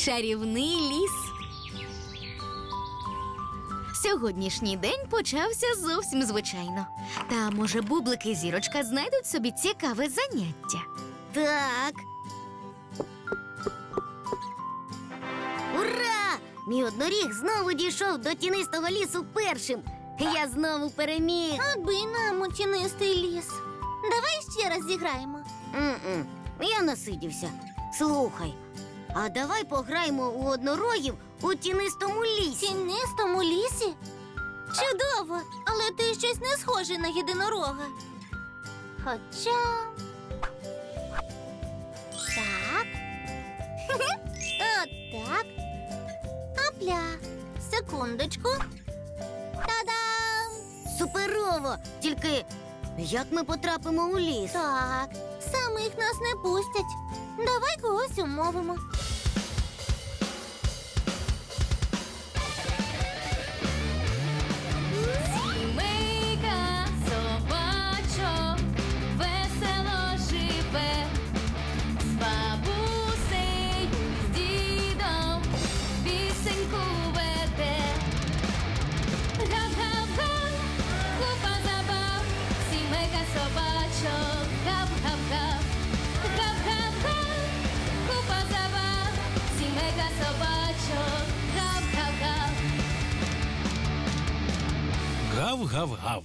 Чарівний ліс. Сьогоднішній день почався зовсім звичайно. Та, може, Бублик і Зірочка знайдуть собі цікаве заняття. Так. Ура! Мій одноріг знову дійшов до тінистого лісу першим. Я знову переміг. Аби нам у тінистий ліс. Давай ще раз зіграємо. Я насидівся. Слухай, а давай пограємо у однорогів у тінистому В лісі. тінистому лісі? Чудово, але ти щось не схожий на єдинорога. Хоча... Так. Отак. Апля. Секундочку. Та-дам! Суперово! Тільки як ми потрапимо у ліс? Так, самих нас не пустять. Давай когось умовимо. Сімейка собачок весело живе, з бабусею, з дідом пісеньку веде. Гав-гав-га, купа забав, сімейка собачок, гав-гав-гав. Гав-гав-га, купа забав, сімейка собачок, гав-гав-гав. Гав-гав-гав.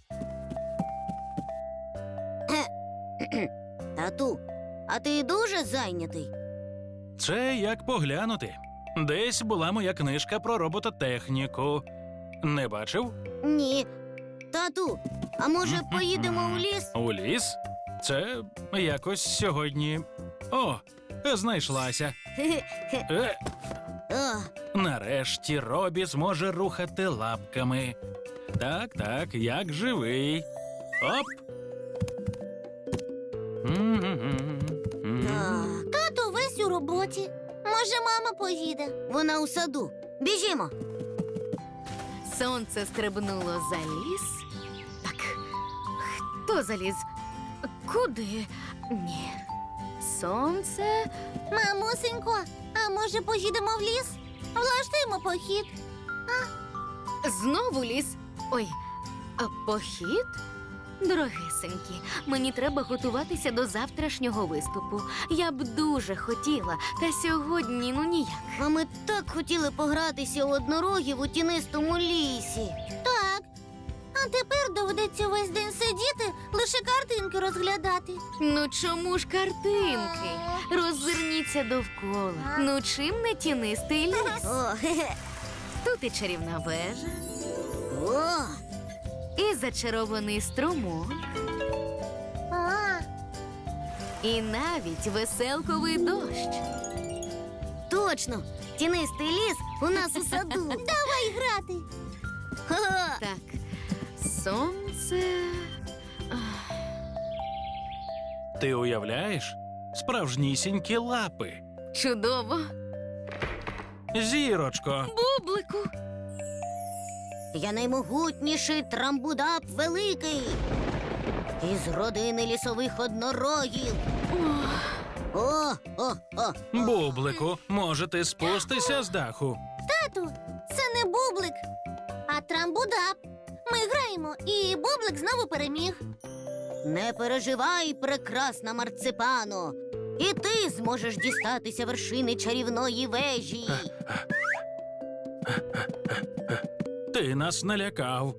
Тату, а ти дуже зайнятий? Це як поглянути. Десь була моя книжка про робототехніку. Не бачив? Ні. Тату, а може поїдемо у ліс? У ліс? Це якось сьогодні. О, знайшлася. О, Нарешті Робі зможе рухати лапками. Так, так, як живий. Оп. так. Тато весь у роботі. Може, мама поїде? Вона у саду. Біжімо. Сонце стрибнуло за ліс. Так, хто заліз? Куди? Ні. Сонце. Мамусенько, а може поїдемо в ліс? Влаштуємо похід. Знову ліс. Ой, а похід? Дорогесенькі, мені треба готуватися до завтрашнього виступу. Я б дуже хотіла, та сьогодні ніяк. А ми так хотіли погратися у однорогів у тінистому лісі. Так. А тепер доведеться весь день сидіти, лише картинки розглядати. Ну чому ж картинки? Роззирніться довкола. Ну чим не тінистий ліс? О, хе-хе. Тут і чарівна вежа, О, і зачарований струмок, А, і навіть веселковий дощ. точно. Тінистий ліс у нас у саду. давай грати. Ха-ха. Так, сонце. Ти уявляєш? Справжнісінькі лапи. Чудово. Зірочко. Бублику. Я наймогутніший Трамбудап Великий. Із родини лісових однорогів. О. Бублику, може ти спустися з даху? Тату, це не бублик, а трамбудап. Ми граємо, і бублик знову переміг. Не переживай, прекрасна марципано. І ти зможеш дістатися вершини чарівної вежі. Ти нас налякав.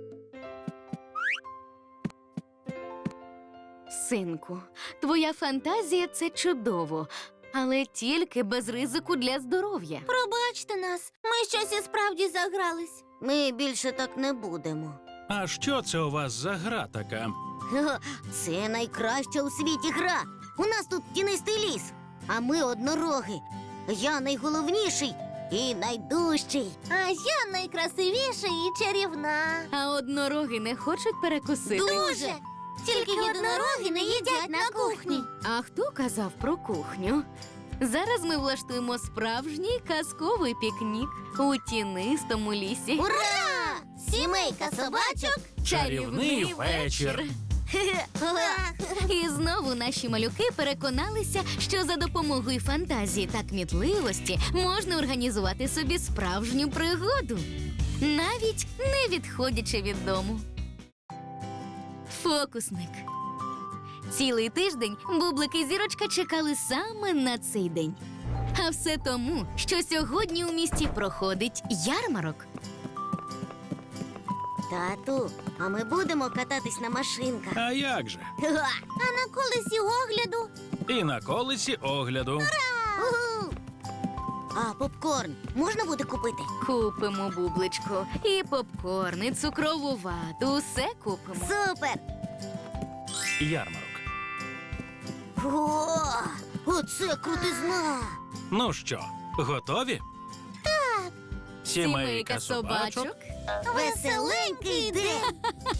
Синку, твоя фантазія – це чудово, але тільки без ризику для здоров'я. Пробачте нас, ми щось і справді загрались. Ми більше так не будемо. А що це у вас за гра така? Ха-ха, це найкраща у світі гра. У нас тут тінистий ліс, а ми однороги. Я найголовніший і найдужчий. А я найкрасивіша і чарівна. А однороги не хочуть перекусити? Дуже! Тільки єдинороги не їдять на кухні. А хто казав про кухню? Зараз ми влаштуємо справжній казковий пікнік у тінистому лісі. Ура! Сімейка собачок. Чарівний вечір. І знову наші малюки переконалися, що за допомогою фантазії та кмітливості можна організувати собі справжню пригоду, навіть не відходячи від дому. Фокусник. Цілий тиждень Бублик і Зірочка чекали саме на цей день. А все тому, що сьогодні у місті проходить ярмарок. Тату, а ми будемо кататись на машинках. А як же? А на колесі огляду? І на колесі огляду. Уху! А попкорн можна буде купити? Купимо, Бубличку, і попкорн, і цукрову вату, усе купимо. Супер! Ярмарок. О, оце крутизна! Ну що, готові? Так. Сімейка собачок. Веселенький день!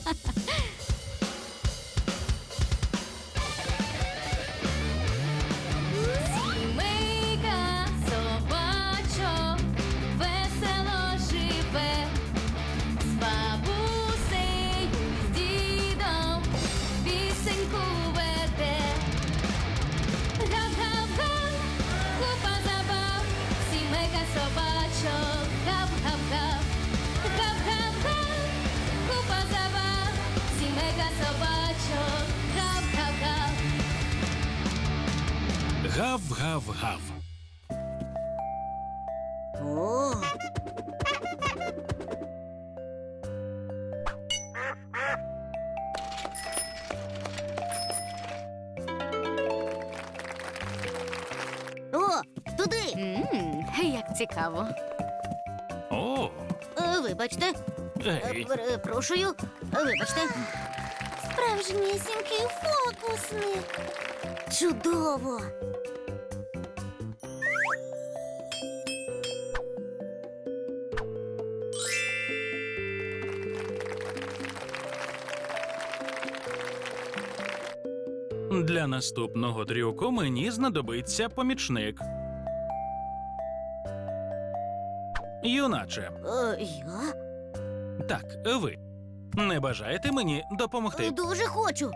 Сімейка собачок весело живе, з бабусею, з дідом пісеньку веде. Гав-гав-га, купа забав, сімейка собачок, гав-гав-гав. Гав-гав-га, купа забав, сімейка собачок, гав-гав-гав. Гав-гав-гав. О! О, туди! Як цікаво. О, Вибачте, ей. перепрошую, вибачте. Справжнісінький фокусник. Чудово! Для наступного трюку мені знадобиться помічник. Юначе, Я? так, ви. Не бажаєте мені допомогти? Дуже хочу.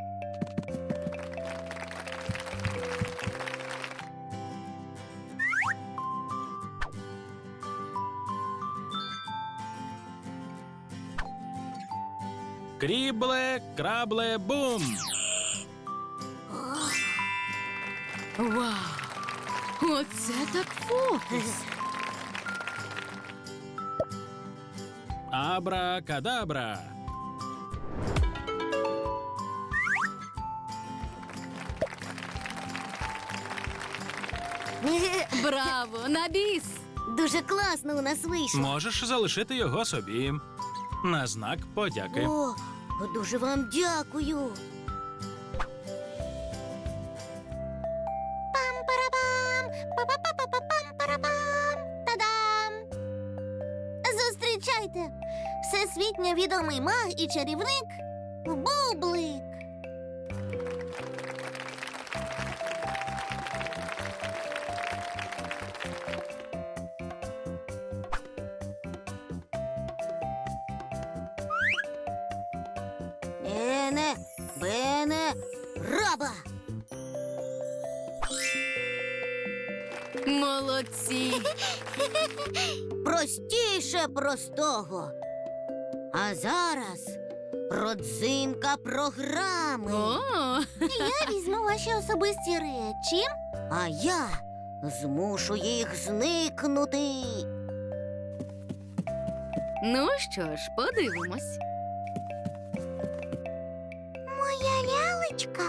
Крібле, крабле, бум! Вау! Оце так фокус! Абра-кадабра! Браво! На біс! Дуже класно у нас вийшло. Можеш залишити його собі. На знак подяки. О, дуже вам дякую. Пам-парабам! Па-па-па-па-пам-парабам! Та-дам! Зустрічайте! Всесвітньо відомий маг і чарівник Бублик. Ене, бене, раба! Молодці! Простіше простого. А зараз родзинка програми. О! Я візьму ваші особисті речі. А я змушу їх зникнути. Ну що ж, подивимось. Моя лялечка.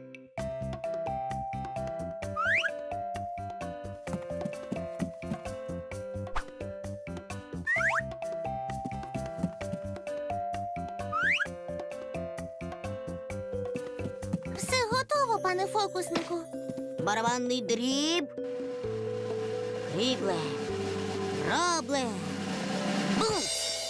Все готово, пане фокуснику. Барабанний дріб. Крібле. Рабле. Бум!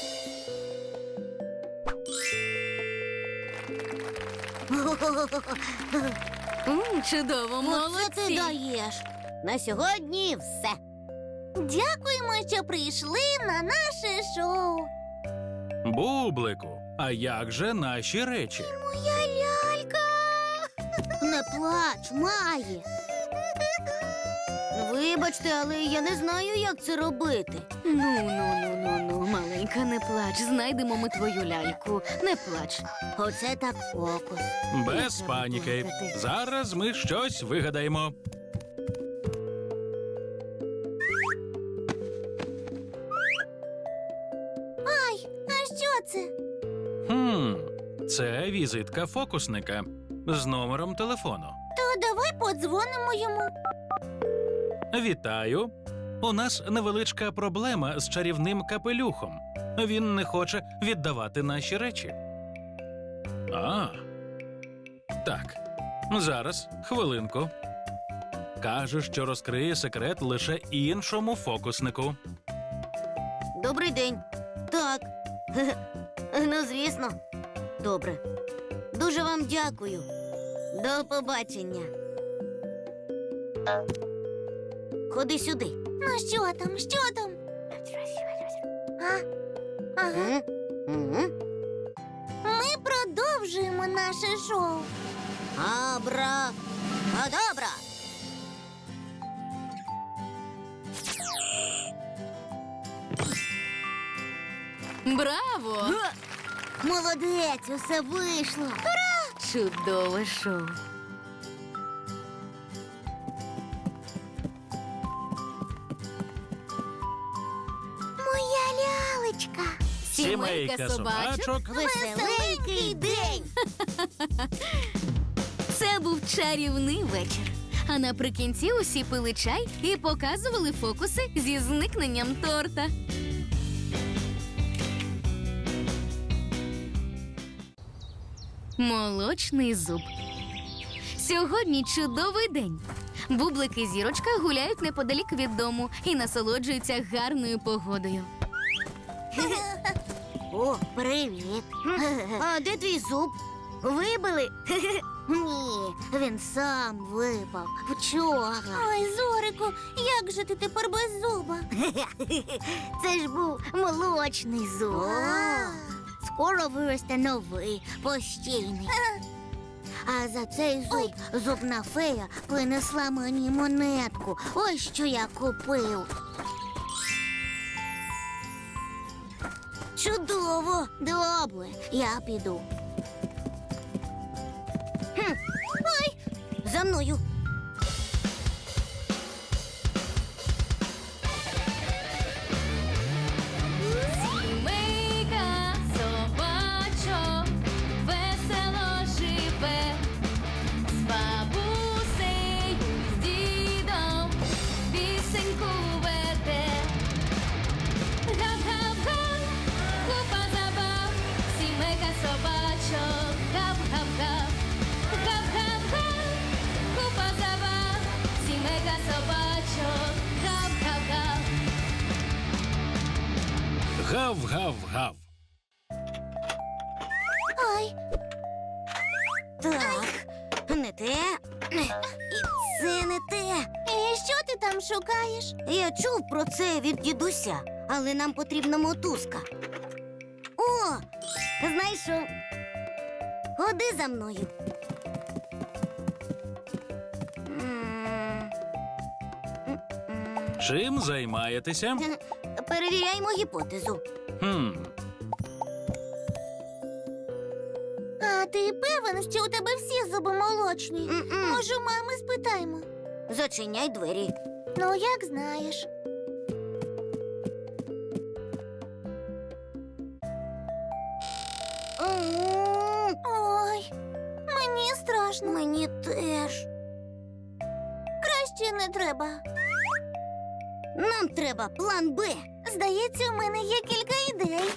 Чудово, Оце ти молодці! даєш. На сьогодні все. Дякуємо, що прийшли на наше шоу. Бублику, а як же наші речі? Моя Не плач, має. Вибачте, але я не знаю, як це робити. Ну, маленька, не плач. Знайдемо ми твою ляльку. Не плач. Оце так фокус. Без паніки. Зараз ми щось вигадаємо. Ай, а що це? Це візитка фокусника з номером телефону. То давай подзвонимо йому. Вітаю. У нас невеличка проблема з чарівним капелюхом. Він не хоче віддавати наші речі. Так. Зараз, хвилинку. Каже, що розкриє секрет лише іншому фокуснику. Добрий день. Так. Ну, звісно. Добре. Дуже вам дякую. До побачення. Ходи сюди. Ну що там, що там? Ага. Мгм. Ми продовжуємо наше шоу. Абра. Адабра. Браво! Молодець, усе вийшло. Чудове шоу. Моя лялечка. Сімейка собачок. Веселенький день. Це був чарівний вечір. А наприкінці усі пили чай і показували фокуси зі зникненням торта. Молочний зуб. Сьогодні чудовий день. Бублик і Зірочка гуляють неподалік від дому і насолоджуються гарною погодою. О, привіт. А де твій зуб? Вибили? Ні, він сам випав. Вчора. Ой, Зорику, як же ти тепер без зуба? Це ж був молочний зуб. Скоро виросте новий, постійний. А за цей зуб зубна фея принесла мені монетку. Ось що я купив. Чудово! Добре, я піду. Ой, за мною. Сімейка собачок весело живе, з бабусею, з дідом пісеньку веде. Гав-гав-га, купа забав, сімейка собачок, гав-гав-гав. Гав-гав-га, купа забав, сімейка собачок, гав-гав-гав. Гав-гав-гав. Ой, Так, не те. І це не те. і що ти там шукаєш? Я чув про це від дідуся, але нам потрібна мотузка. О, знайшов. Ходи за мною. Чим займаєтеся? Перевіряємо гіпотезу. А ти певен, що у тебе всі зуби молочні? М-м. Може, у мами спитаємо? Зачиняй двері. Ну, як знаєш. Ой, мені страшно. Мені теж. Краще не треба. Нам треба план Б. Здається, у мене є кілька ідей.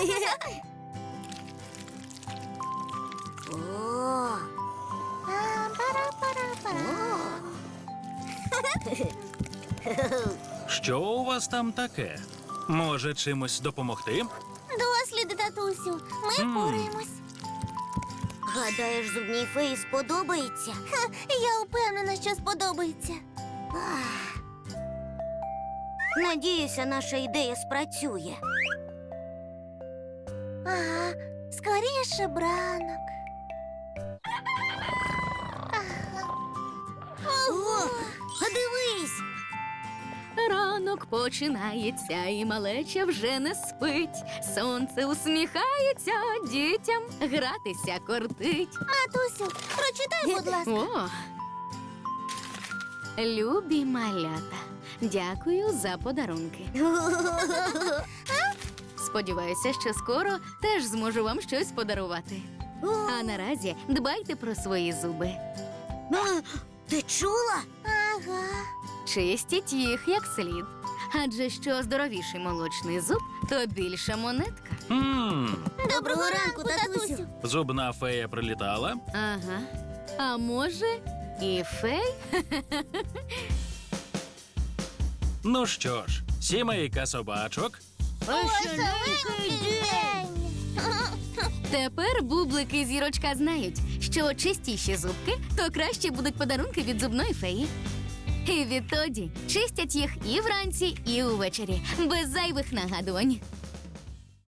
О, Пара-пара-пара. Що у вас там таке? Може, чимось допомогти? Досліди, татусю. Ми впораємось. гадаєш, зубній феї сподобається? Я впевнена, що сподобається. Ах. Надіюся, наша ідея спрацює. Ага, скоріше б ранок. Ранок починається, і малеча вже не спить. Сонце усміхається, дітям гратися кортить. Матусю, прочитай, будь ласка. О! Любі малята, дякую за подарунки. Сподіваюся, що скоро теж зможу вам щось подарувати. А наразі дбайте про свої зуби. Ти чула? Ага. Чистіть їх як слід. Адже що здоровіший молочний зуб, то більша монетка. Доброго ранку, татусю. Зубна фея прилітала. Ага. А може, і фей? Ну що ж, сімейка собачок. Веселенький день. Тепер бублики і зірочка знають, що чистіші зубки, то краще будуть подарунки від зубної феї. І відтоді чистять їх і вранці, і увечері, без зайвих нагадувань.